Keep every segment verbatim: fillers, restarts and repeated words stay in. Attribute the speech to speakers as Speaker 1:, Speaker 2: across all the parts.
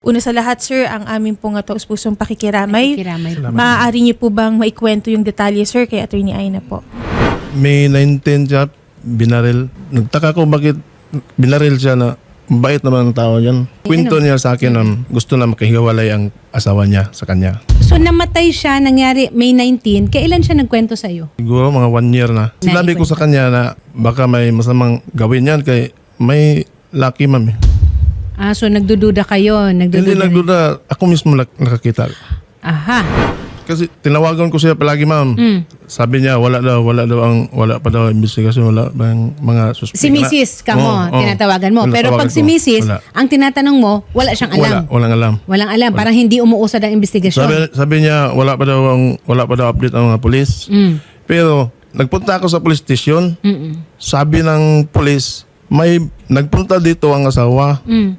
Speaker 1: Una sa lahat, sir, ang aming pong uh, taus-pusong pakikiramay.
Speaker 2: Pakikiramay.
Speaker 1: Maaari niyo po bang maikwento yung detalye, sir, kay Attorney Aina po?
Speaker 3: May nineteen siya, binaril. Nagtaka ko bakit binaril siya na bait naman ang tao yan. Kwento niya sa akin na gusto na makahiwalay ang asawa niya sa kanya.
Speaker 2: So namatay siya, nangyari May nineteen. Kailan siya nagkwento sa'yo?
Speaker 3: Siguro mga one year na. Sinabi ko sa kanya na baka may masamang gawin yan kay may lucky ma'am.
Speaker 2: Ah, so nagdududa kayo. Nagdududa
Speaker 3: Hindi nagduda. Ako mismo nak- nakakita.
Speaker 2: Aha.
Speaker 3: Kasi tinawagan ko siya palagi ma'am.
Speaker 2: Mm.
Speaker 3: Sabi niya wala daw, wala daw ang wala pa daw investigasyon, wala bang mga suspect.
Speaker 2: Si Missus ka mo,
Speaker 3: Oo, oo.
Speaker 2: tinatawagan mo.
Speaker 3: Wala,
Speaker 2: Pero
Speaker 3: tawagan
Speaker 2: pag si
Speaker 3: ko.
Speaker 2: Missus,
Speaker 3: Wala.
Speaker 2: ang tinatanong mo, wala siyang alam.
Speaker 3: Wala, walang alam.
Speaker 2: Walang alam. Parang hindi umuusad ang investigasyon.
Speaker 3: Sabi, sabi niya wala pa daw ang wala pa daw update ang mga pulis.
Speaker 2: Mm.
Speaker 3: Pero nagpunta ako sa police station.
Speaker 2: Mm-mm.
Speaker 3: Sabi ng pulis, may nagpunta dito ang asawa.
Speaker 2: Mm.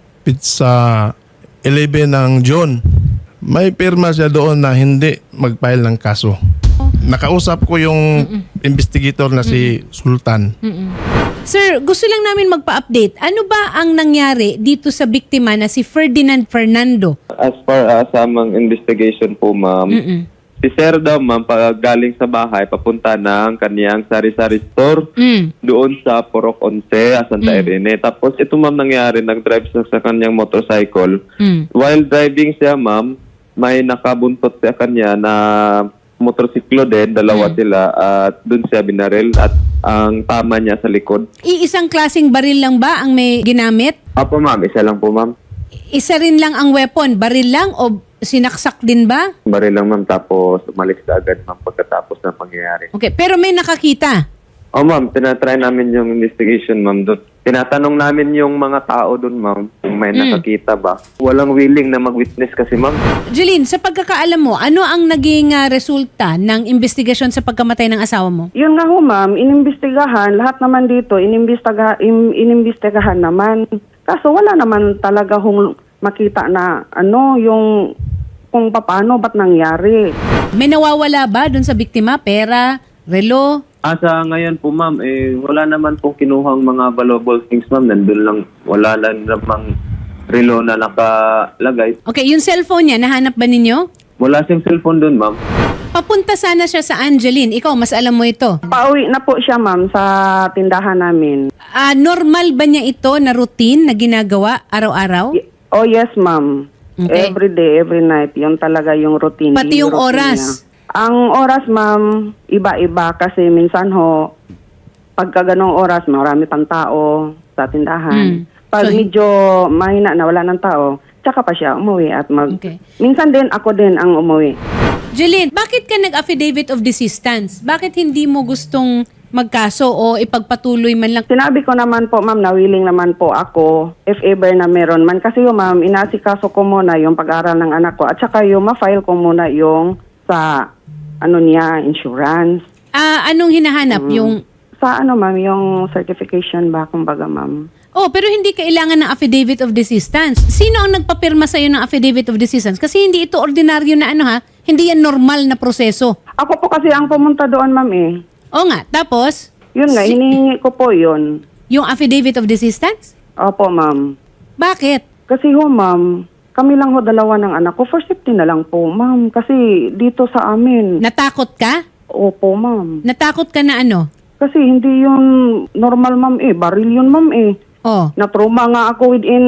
Speaker 3: Sa eleven ng June. May pirma siya doon na hindi mag-file ng kaso. Nakausap ko yung Mm-mm. investigator na si Sultan.
Speaker 2: Mm-mm. Sir, gusto lang namin magpa-update. Ano ba ang nangyari dito sa biktima na si Ferdinand Fernando?
Speaker 4: As far as amang investigation po, ma'am,
Speaker 2: Mm-mm.
Speaker 4: si Sir daw, ma'am, pag galing sa bahay, papunta ng kaniyang sari-sari store
Speaker 2: Mm.
Speaker 4: doon sa Purok Once, Santa Irene. Tapos ito, ma'am, nangyari, nag-drive siya sa kaniyang motorcycle.
Speaker 2: Mm.
Speaker 4: While driving siya, ma'am, may nakabuntot sa kanya na motorsiklo din, dalawa sila, at doon siya binaril at ang tama niya sa likod.
Speaker 2: Iisang klaseng baril lang ba ang may ginamit?
Speaker 4: Apo, ma'am, isa lang po, ma'am.
Speaker 2: Isa rin lang ang weapon? Baril lang o sinaksak din ba?
Speaker 4: Baril lang, ma'am, tapos umalis na agad, ma'am, pagkatapos ng pangyayari.
Speaker 2: Okay, pero may nakakita?
Speaker 4: Oh, ma'am, tinatry namin yung investigation, ma'am. Doon. Tinatanong namin yung mga tao doon, ma'am, kung may
Speaker 2: Mm.
Speaker 4: nakakita ba. Walang willing na mag-witness kasi, ma'am.
Speaker 2: Jeline, sa pagkakaalam mo, ano ang naging ah, resulta ng investigasyon sa pagkamatay ng asawa mo?
Speaker 5: Yun nga ho, ma'am, inimbestigahan, lahat naman dito, inimbestiga, in, inimbestigahan naman. Kaso wala naman talaga hong makita na ano, yung kung paano, ba't nangyari.
Speaker 2: May nawawala ba dun sa biktima? Pera? Relo?
Speaker 4: Ah, sa ngayon po, ma'am, eh, wala naman pong kinuhang mga valuable things, ma'am. Nandun lang, wala lang namang relo na nakalagay.
Speaker 2: Okay, yung cellphone niya, nahanap ba ninyo?
Speaker 4: Wala siyang cellphone doon, ma'am.
Speaker 2: Papunta sana siya sa Angeline. Ikaw, mas alam mo ito.
Speaker 5: Pauwi na po siya, ma'am, sa tindahan namin.
Speaker 2: Ah, normal ba niya ito na routine na ginagawa araw-araw?
Speaker 5: Y- Oh, yes, ma'am.
Speaker 2: Okay.
Speaker 5: Every day, every night. Yun talaga yung routine.
Speaker 2: Pati yung
Speaker 5: routine
Speaker 2: oras?
Speaker 5: niya. Ang oras, ma'am, iba-iba kasi minsan ho, pagka ganong oras, marami pang tao sa tindahan.
Speaker 2: Mm.
Speaker 5: Pag
Speaker 2: So,
Speaker 5: medyo mahina na wala ng tao, tsaka pa siya umuwi at mag...
Speaker 2: Okay.
Speaker 5: Minsan din ako din ang umuwi.
Speaker 2: Jeline, bakit ka nag-affidavit of desistance? Bakit hindi mo gustong magkaso o ipagpatuloy man lang?
Speaker 5: Sinabi ko naman po, ma'am, na willing naman po ako if ever na meron man. Kasi yung ma'am, inasikaso ko muna yung pag-aral ng anak ko at saka yung ma-file ko muna yung sa ano niya, insurance.
Speaker 2: Ah, anong hinahanap? Yung
Speaker 5: Sa ano, ma'am, yung certification ba, kumbaga, ma'am.
Speaker 2: Oh, pero hindi kailangan ng affidavit of desistance. Sino ang nagpapirma sa iyo ng affidavit of desistance? Kasi hindi ito ordinaryo na ano ha, hindi yan normal na proseso.
Speaker 5: Ako po kasi ang pumunta doon, ma'am, eh.
Speaker 2: O nga, tapos
Speaker 5: Yun nga, hinihingi ko po yun.
Speaker 2: yung affidavit of desistance?
Speaker 5: Opo, ma'am.
Speaker 2: Bakit?
Speaker 5: Kasi ho, ma'am, kami lang ho dalawa ng anak ko. For safety na lang po, ma'am. Kasi dito sa amin.
Speaker 2: Natakot ka?
Speaker 5: Opo, ma'am.
Speaker 2: Natakot ka na ano?
Speaker 5: Kasi hindi yun normal, ma'am, eh. Baril yun, ma'am, eh.
Speaker 2: Oh.
Speaker 5: Na-trauma nga ako within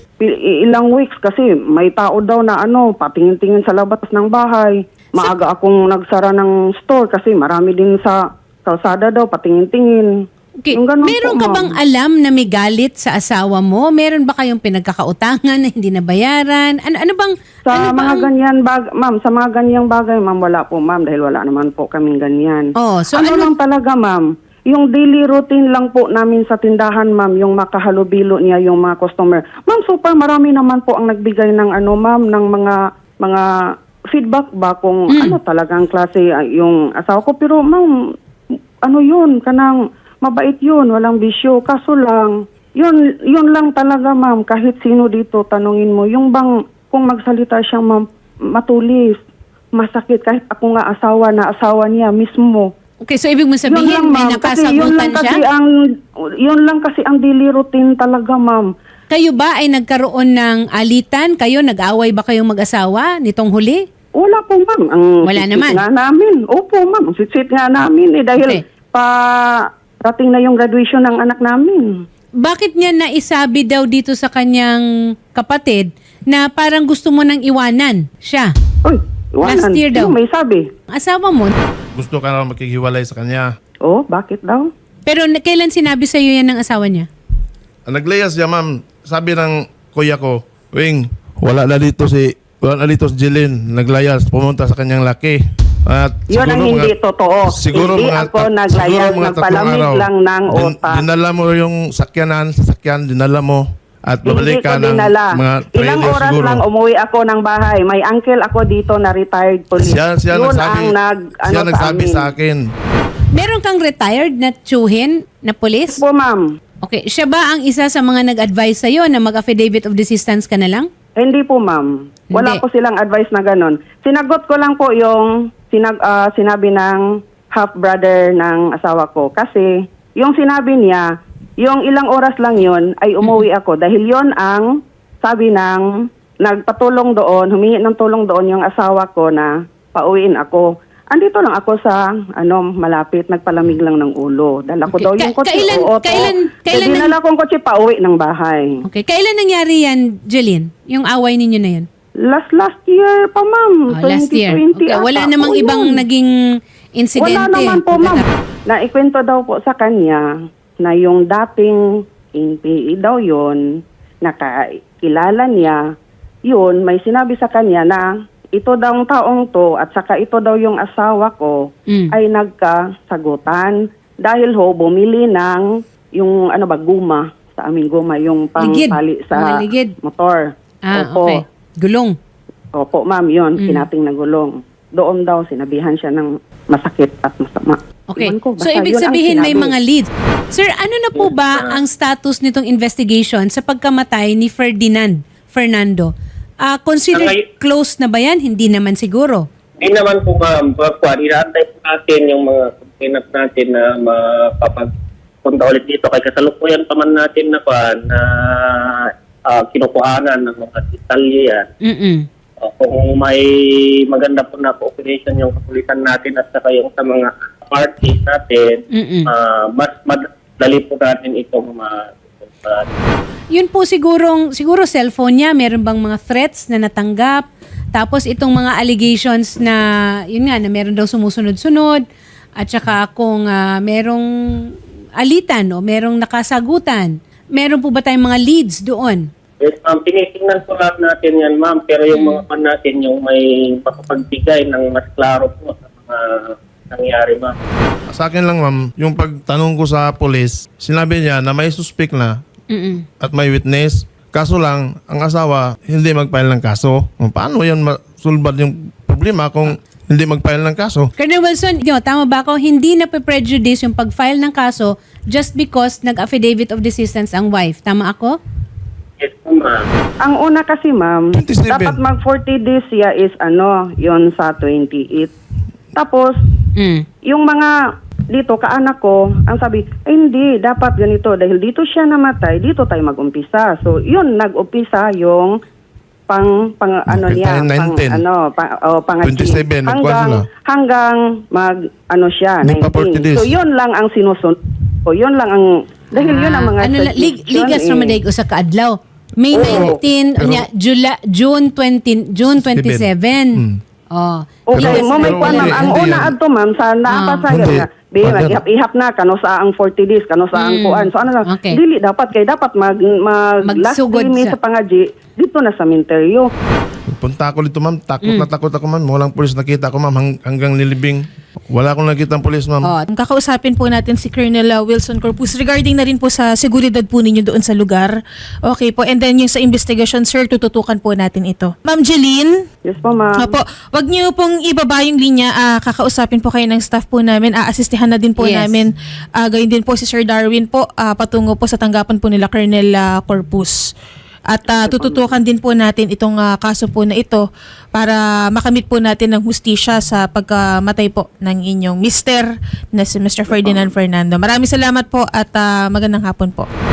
Speaker 5: pi- ilang weeks kasi may tao daw na ano, patingin-tingin sa labas ng bahay. Maaga akong nagsara ng store kasi marami din sa kalsada daw, patingin-tingin.
Speaker 2: Okay.
Speaker 5: Yung ganun
Speaker 2: Meron
Speaker 5: po,
Speaker 2: ka
Speaker 5: ma'am.
Speaker 2: bang alam na may galit sa asawa mo? Meron ba kayong pinagkakautangan na hindi nabayaran? Ano, ano bang...
Speaker 5: Sa
Speaker 2: ano
Speaker 5: mga
Speaker 2: bang-
Speaker 5: ganyan bag, ma'am, sa mga ganyang bagay, ma'am, wala po, ma'am, dahil wala naman po kaming ganyan.
Speaker 2: Oh, so
Speaker 5: ano,
Speaker 2: ano-
Speaker 5: lang talaga, ma'am? Yung daily routine lang po namin sa tindahan, ma'am, yung makahalubilo niya yung mga customer. Ma'am, super marami naman po ang nagbigay ng ano, ma'am, ng mga mga feedback ba kung
Speaker 2: Mm.
Speaker 5: ano talagang klase ah, yung asawa ko. Pero, ma'am, ano yun, kanang mabait yun, walang bisyo. Kaso lang, yun, yun lang talaga, ma'am, kahit sino dito, tanungin mo, yung bang, kung magsalita siyang ma'am, matulis, masakit, kahit ako nga asawa na asawa niya mismo.
Speaker 2: Okay, so ibig mo sabihin,
Speaker 5: Yun lang,
Speaker 2: may
Speaker 5: ma'am, kasi yun
Speaker 2: nakasagutan
Speaker 5: lang kasi
Speaker 2: siya?
Speaker 5: ang, yun lang kasi ang daily routine talaga, ma'am.
Speaker 2: Kayo ba ay nagkaroon ng alitan? Kayo, nag-away ba kayong mag-asawa nitong huli?
Speaker 5: Wala po, ma'am. Ang
Speaker 2: Wala
Speaker 5: sweet
Speaker 2: naman.
Speaker 5: nga namin. Opo, ma'am. Ang sweet nga namin. Eh, dahil
Speaker 2: Okay.
Speaker 5: pa dating na yung graduation ng anak namin.
Speaker 2: Bakit niya naisabi daw dito sa kanyang kapatid na parang gusto mo nang iwanan siya?
Speaker 5: Uy, iwanan.
Speaker 2: Last year daw.
Speaker 5: Sino may sabi?
Speaker 2: Asawa mo?
Speaker 3: Gusto ka na makikhiwalay sa kanya.
Speaker 5: Oh, bakit daw?
Speaker 2: Pero na- kailan sinabi sa iyo yan ng asawa niya?
Speaker 3: Ang naglayas siya, ma'am. Sabi ng kuya ko, Wing, wala na dito si wala na dito si Jeline. Naglayas, pumunta sa kanyang laki. At
Speaker 5: Yun ang
Speaker 3: siguro
Speaker 5: hindi
Speaker 3: mga-
Speaker 5: totoo.
Speaker 3: Siguro
Speaker 5: Hindi
Speaker 3: mga
Speaker 5: ako
Speaker 3: tat-
Speaker 5: naglayas,
Speaker 3: siguro mga
Speaker 5: nagpalamig
Speaker 3: tatlong araw.
Speaker 5: lang ng
Speaker 3: Din-
Speaker 5: utak.
Speaker 3: dinala mo yung sakyanan, sasakyan, dinala mo. At babalik
Speaker 5: Hindi ko
Speaker 3: ka ng
Speaker 5: dinala.
Speaker 3: mga
Speaker 5: Ilang
Speaker 3: trailer
Speaker 5: oras
Speaker 3: siguro.
Speaker 5: lang umuwi ako ng bahay. May uncle ako dito na retired police.
Speaker 3: Siya, siya
Speaker 5: Yun
Speaker 3: nagsabi,
Speaker 5: ang nag,
Speaker 3: siya
Speaker 5: ano,
Speaker 3: nagsabi
Speaker 5: sa
Speaker 3: sa
Speaker 5: amin.
Speaker 3: akin.
Speaker 2: Meron kang retired na tsuhin na polis?
Speaker 5: Po, ma'am.
Speaker 2: Okay, siya ba ang isa sa mga nag-advise sa'yo na mag-affidavit of desistance ka na lang?
Speaker 5: Hindi po, ma'am. Wala
Speaker 2: Hindi.
Speaker 5: po silang advice na ganun. Sinagot ko lang po yung sinag, ah, sinabi ng half-brother ng asawa ko. Kasi yung sinabi niya, yung ilang oras lang yun ay umuwi ako. Dahil yon ang sabi ng nagpatulong doon, humingi ng tulong doon yung asawa ko na pauwiin ako. Andito lang ako sa ano malapit, nagpalamig lang ng ulo. Dala ko
Speaker 2: Okay.
Speaker 5: daw yung
Speaker 2: Ka-
Speaker 5: kotse.
Speaker 2: kailan-
Speaker 5: oo, to.
Speaker 2: kailan- kailan
Speaker 5: Eh, dinala kong kotse pauwi ng bahay.
Speaker 2: Okay, kailan nangyari yan, Jeline? Yung away ninyo na yan?
Speaker 5: Last last year pa, ma'am.
Speaker 2: Oh, last year.
Speaker 5: twenty twenty
Speaker 2: Okay, wala
Speaker 5: ata
Speaker 2: namang
Speaker 5: po
Speaker 2: ibang
Speaker 5: yun.
Speaker 2: naging insidente.
Speaker 5: Wala naman po, ma'am. Naikwento daw po sa kanya na yung dating N P A daw yun, nakakilala niya, yun, may sinabi sa kanya na ito daw ang taong to at saka ito daw yung asawa ko
Speaker 2: Mm.
Speaker 5: ay nagkasagutan dahil ho bumili ng yung ano ba guma sa aming guma yung
Speaker 2: Ligid.
Speaker 5: pangpali
Speaker 2: Mga
Speaker 5: sa
Speaker 2: ligid.
Speaker 5: motor.
Speaker 2: Ah,
Speaker 5: Opo.
Speaker 2: okay. Gulong.
Speaker 5: Opo, ma'am, yun,
Speaker 2: Mm.
Speaker 5: kinating na gulong. Doon daw sinabihan siya ng masakit at masama.
Speaker 2: Okay.
Speaker 5: Iwan ko,
Speaker 2: So,
Speaker 5: basta
Speaker 2: ibig
Speaker 5: yun ang
Speaker 2: sabihin may
Speaker 5: sinabi.
Speaker 2: mga leads. Sir, ano na po ba ang status nitong investigation sa pagkamatay ni Ferdinand Fernando? Ah, considered
Speaker 6: Ang-
Speaker 2: close na ba yan? Hindi naman siguro.
Speaker 6: Hindi naman po ma'am, Pagkuhan, inaantay po natin yung mga complainant natin na mapapagpunta ulit dito. Kaya kasalukuyan pa man natin na kuhan na ah, kinukuhanan ng mga detalye yan.
Speaker 2: Mm-mm.
Speaker 6: Ah, kung may maganda po na cooperation yung kapulisan natin at saka yung sa mga parties natin,
Speaker 2: Mm-mm.
Speaker 6: ah, mas madali po natin itong ma- ma-
Speaker 2: Yun po sigurong, siguro cellphone niya, meron bang mga threats na natanggap? Tapos itong mga allegations na, yun nga, na meron daw sumusunod-sunod. At saka kung ah, merong alitan o merong nakasagutan. Meron po ba tayong mga leads doon?
Speaker 6: Yes, ma'am. Tinitingnan po lahat natin yan, ma'am. Pero yung mga pan natin, yung may makapagbigay ng mas klaro po sa mga nangyari, ma'am.
Speaker 3: Sa akin lang, ma'am, yung pagtanong ko sa police, sinabi niya na may suspect na
Speaker 2: Mm-mm.
Speaker 3: at may witness. Kaso lang, ang asawa hindi mag-file ng kaso. Paano yan masulbad yung problema kung hindi mag-file ng kaso?
Speaker 2: Colonel Wilson, yo, tama ba ako? Hindi na prejudice yung pag-file ng kaso just because nag-affidavit of desistance ang wife. Tama ako?
Speaker 6: Yes, po, ma'am.
Speaker 5: Ang una kasi, ma'am,
Speaker 3: twenty-seven.
Speaker 5: dapat mag forty days siya is ano, yon sa twenty-eight. Tapos,
Speaker 2: Mm.
Speaker 5: yung mga dito, kaanak ko, ang sabi, ay hindi, dapat ganito. Dahil dito siya namatay, dito tayo mag-umpisa. So, yun, nag-umpisa yung pang, pang ano
Speaker 3: Okay,
Speaker 5: niya, pang,
Speaker 3: nineteen.
Speaker 5: ano, pang, oh, pang
Speaker 3: twenty-seven, nagkuha
Speaker 5: hanggang,
Speaker 3: sila.
Speaker 5: hanggang mag, ano siya,
Speaker 3: Hindi pa forty days.
Speaker 5: So, yun lang ang sinusunod. So, yun lang ang, dahil yun ang mga
Speaker 2: ano, la- lig,
Speaker 5: suggestion,
Speaker 2: ligas
Speaker 5: eh.
Speaker 2: naman dahil sa kaadlaw. May
Speaker 5: Oo.
Speaker 2: nineteen,
Speaker 3: Pero-
Speaker 2: nya, Jula, June twenty, June twenty-seven.
Speaker 3: Hmm.
Speaker 2: Oh.
Speaker 5: Okay,
Speaker 3: Pero-
Speaker 5: mo may
Speaker 3: pero
Speaker 5: kwan, ma'am.
Speaker 3: hindi-
Speaker 5: Ang
Speaker 3: hindi
Speaker 5: una
Speaker 3: yan.
Speaker 5: adto, ma'am, sa naapasa
Speaker 3: Hindi.
Speaker 5: nga. Di,
Speaker 3: Father.
Speaker 5: ihap-ihap na, kano sa ang forty days, kano sa ang
Speaker 2: Mm.
Speaker 5: kuan. So, ano lang,
Speaker 2: Okay.
Speaker 5: dili, dapat kay dapat mag, mag last
Speaker 2: Magsugod
Speaker 5: three
Speaker 2: sa-
Speaker 5: sa pangaji, dito na sa minteryo.
Speaker 3: Punta ako dito, ma'am. Takot
Speaker 2: Mm.
Speaker 3: na takot ako, ma'am. Walang pulis nakita ko, ma'am. Hang- hanggang nilibing. Wala akong nakita ng pulis, ma'am.
Speaker 2: Oh,
Speaker 1: Kakausapin po natin si Colonel uh, Wilson Corpus regarding na rin po sa seguridad po ninyo doon sa lugar. Okay po. And then yung sa investigation, sir, tututukan po natin ito. Ma'am Jeline?
Speaker 5: Yes po, ma'am.
Speaker 1: Opo, wag niyo pong ibaba yung linya. Ah, kakausapin po kayo ng staff po namin. Aasistihan na din po
Speaker 2: Yes.
Speaker 1: namin. Ah, gayon din po si Sir Darwin po ah, patungo po sa tanggapan po nila Colonel ah, Corpus. At ah, tututukan din po natin itong ah, kaso po na ito para makamit po natin ng hustisya sa pagkamatay po ng inyong mister na si Mister Ferdinand Fernando. Maraming salamat po at ah, magandang hapon po.